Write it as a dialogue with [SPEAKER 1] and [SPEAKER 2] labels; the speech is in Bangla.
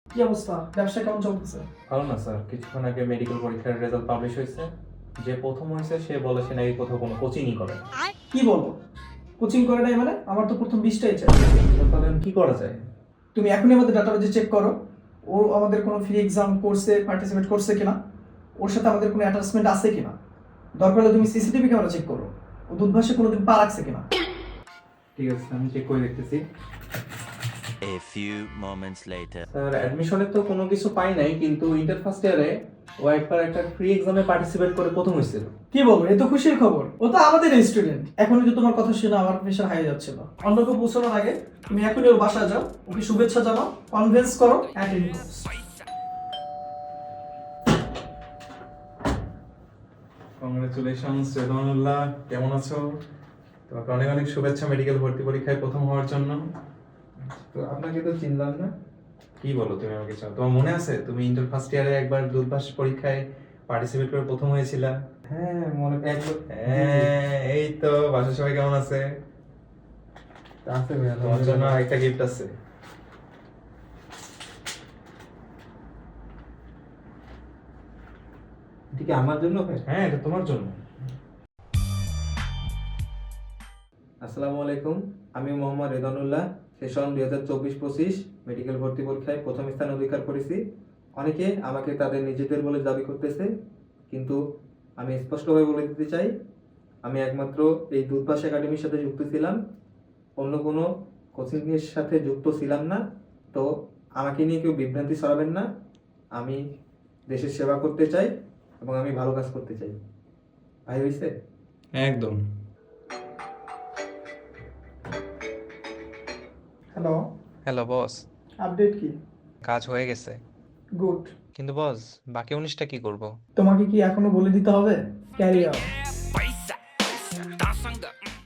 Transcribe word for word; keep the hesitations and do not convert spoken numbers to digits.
[SPEAKER 1] কি অবস্থা, ব্যবসা কেমন চলতেছে?
[SPEAKER 2] ভালো না স্যার, কিছুক্ষণ আগে মেডিকেল পরীক্ষার রেজাল্ট পাবলিশ হয়েছে। যে প্রথম হয়েছে সে বলে সে নাকি কোথাও কোনো কোচিংই করে না।
[SPEAKER 1] কি বলবো, কোচিং করে নাই মানে? আমার তো প্রথম বিশটাই চাই।
[SPEAKER 2] তো তাহলে এখন কি করা যায়?
[SPEAKER 1] তুমি এখনই আমাদের ডাটাবেজে চেক করো, ও আমাদের কোনো ফ্রি এক্সাম কোর্সে পার্টিসিপেট করছে কিনা, ওর সাথে আমাদের কোনো অ্যাটাচমেন্ট আছে কিনা। দরকার হলে তুমি সিসিটিভি ক্যামেরা চেক করো, ও দুধভাষে কোনোদিন পা রাখছে কিনা।
[SPEAKER 2] ঠিক আছে, আমি চেক করে দেখতেছি।
[SPEAKER 3] A few moments later.
[SPEAKER 2] Sir অ্যাডমিশনে তো কোনো কিছু পাই নাই, কিন্তু ইন্টার ফার্স্ট ইয়ারে ও একবার একটা ফ্রি এক্সামে পার্টিসিপেট করে প্রথম হয়েছিল।
[SPEAKER 1] কি বলবো, এ তো খুশির খবর। ও তো আমাদের স্টুডেন্ট। এখন যদি তোমার কথা শুনে আমার প্রেশার হাই যাচ্ছিল। অন্য কেউ পৌঁছানোর আগে তুমি এখনই ওর বাসায় যাও, ওকে শুভেচ্ছা জানাও, কনভিন্স করো, অ্যাটেন্ড করো।
[SPEAKER 2] কংগ্রেচুলেশনস রেদওয়ানুল্লাহ, কেমন আছো? তোমাকে অনেক অনেক শুভেচ্ছা মেডিকেল ভর্তি পরীক্ষায় প্রথম হওয়ার জন্য। তো আপনাকে তো চিনলাম না। কি বলো তুমি আমাকে? চাও তোমার মনে আছে তুমি ইন্টার ফার্স্ট ইয়ারে একবার দূরভাষ পরীক্ষায় পার্টিসিপেট করে প্রথম হয়েছিলা? হ্যাঁ মনে একবার। হ্যাঁ এই তো, বাসার সবাই কেমন আছে? আছে ভাইয়া, তোমার জন্য একটা গিফট আছে।
[SPEAKER 4] এটা কি আমার জন্য ভাই?
[SPEAKER 2] হ্যাঁ এটা তোমার জন্য।
[SPEAKER 4] আসসালামু আলাইকুম, আমি মোহাম্মদ রেদওয়ানুল্লাহ। সেশন দুই হাজার চব্বিশ পঁচিশ মেডিকেল ভর্তি পরীক্ষায় প্রথম স্থান অধিকার করেছি। অনেকে আমাকে তাদের নিজেদের বলে দাবি করতেছে, কিন্তু আমি স্পষ্টভাবে বলে দিতে চাই, আমি একমাত্র এই দুধভাষ একাডেমির সাথে যুক্ত ছিলাম, অন্য কোনো কোচিংয়ের সাথে যুক্ত ছিলাম না। তো আমাকে নিয়ে কেউ বিভ্রান্তি ছড়াবেন না। আমি দেশের সেবা করতে চাই এবং আমি ভালো কাজ করতে চাই। ভাই হয়েছে?
[SPEAKER 2] একদম।
[SPEAKER 1] হ্যালো,
[SPEAKER 5] হ্যালো বস,
[SPEAKER 1] আপডেট কি?
[SPEAKER 5] কাজ হয়ে গেছে।
[SPEAKER 1] গুড।
[SPEAKER 5] কিন্তু বস, বাকি উনিশটা কি করব?
[SPEAKER 1] তোমাকে কি এখনো বলে দিতে হবে? Carry on.